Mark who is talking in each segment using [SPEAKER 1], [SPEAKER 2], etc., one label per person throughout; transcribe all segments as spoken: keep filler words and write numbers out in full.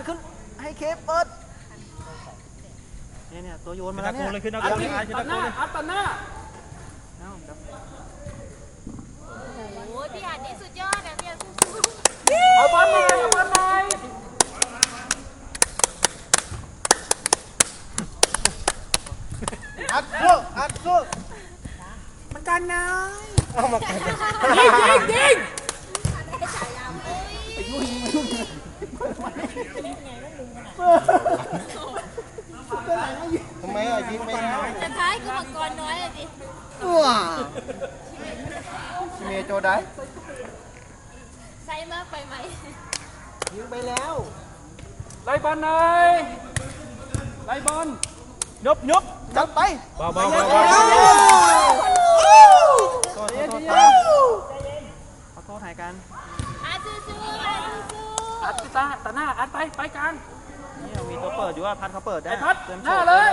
[SPEAKER 1] ขึ้นให้เคฟเปิดเนี่ยเนี่ยตัวโยนมาแล้วเนี่ย
[SPEAKER 2] ขึ้นตะโกนเลยขึ้นตะโกนเลย
[SPEAKER 3] ตัดหน้าอัดตัดหน้า
[SPEAKER 4] โอ้ยพี่อาจนี่สุดยอดนะพี่อาจสู้
[SPEAKER 3] เอาบอลหน่อยเอาบอลหน่อย
[SPEAKER 1] อัดสู้อัดสู้
[SPEAKER 3] มันกันนาย
[SPEAKER 1] เอามากัน
[SPEAKER 3] ยิงยิงยิง
[SPEAKER 1] ทำไมอ่ะยิงไม่ได้
[SPEAKER 4] ๆจะท้ายคือมังกรน้อยเลยดิ
[SPEAKER 1] ว้าเมย์โจได้
[SPEAKER 4] ใส่มากไปไหม
[SPEAKER 1] ยิงไปแล้ว
[SPEAKER 3] ไล่บอลหน่อยไล่บอล
[SPEAKER 2] ยบยบ
[SPEAKER 1] จับไป
[SPEAKER 2] เบาเบา
[SPEAKER 1] เบา
[SPEAKER 2] เบา
[SPEAKER 1] เบา
[SPEAKER 2] โทษโทษ
[SPEAKER 1] ขอโทษหายกัน
[SPEAKER 4] อาสู้สู้อาสู้สู้
[SPEAKER 3] อัดตาตัดหน้าอัดไปไปกลาง
[SPEAKER 1] นี่มีตัวเปิดอยู่ว่าพัดเขาเปิดได้
[SPEAKER 3] ไอ้พัด
[SPEAKER 1] เตรียม
[SPEAKER 3] หน้าเลย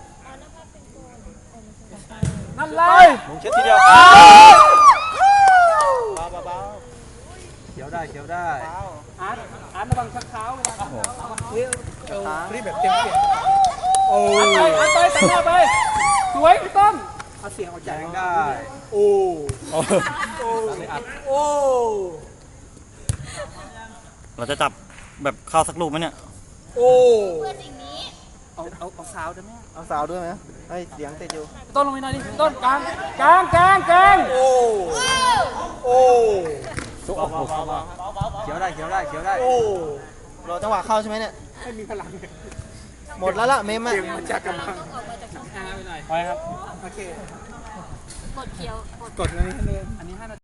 [SPEAKER 3] นั่นเลย
[SPEAKER 2] มุงเช็ดทีเดียว
[SPEAKER 1] เบาเบาเบา
[SPEAKER 2] เขียวได้เขียวได้
[SPEAKER 1] เบา
[SPEAKER 3] อัดอัดระวังชักเท้าเวลา
[SPEAKER 1] รีบแบบเต็มที่โอ้
[SPEAKER 3] อัดไปอัดไปตัดหน้าไปสวยพี่ต้นเอาเสียงออก
[SPEAKER 2] แจ
[SPEAKER 3] จาก
[SPEAKER 2] งได้
[SPEAKER 1] โอ้
[SPEAKER 2] โอ้เลยอัด
[SPEAKER 1] โอ้
[SPEAKER 2] เราจะจับแบบเข้าสักลูกไหมเนี่ย
[SPEAKER 1] โอ้
[SPEAKER 4] เพื่อสิ่งนี้
[SPEAKER 3] เอาเอาเอาสาวได้ไหม
[SPEAKER 1] เอาสาวด้วยไหมเฮ้ยเสียงติดอยู่
[SPEAKER 3] ต้นลงไปหน่อยดิต้นกลางกลางกลางกลาง
[SPEAKER 1] โอ้โอ้
[SPEAKER 2] ซุกออกลูกเขียวได้เขียวได้เขียวได้
[SPEAKER 1] โอ้รอจังหวะเข้าใช่ไหมเนี่ย
[SPEAKER 3] ไม่มีพลัง
[SPEAKER 1] หมดแล้วล่ะเมมอะ
[SPEAKER 3] เกมมันจะกำลัง
[SPEAKER 4] ออกมาจากช่อง
[SPEAKER 3] อ่าไปหน่อย
[SPEAKER 2] ไปครับ
[SPEAKER 3] โอเค
[SPEAKER 4] กดเขียวกด
[SPEAKER 3] กดอันนี้ให้เลยอันนี้ห้านาที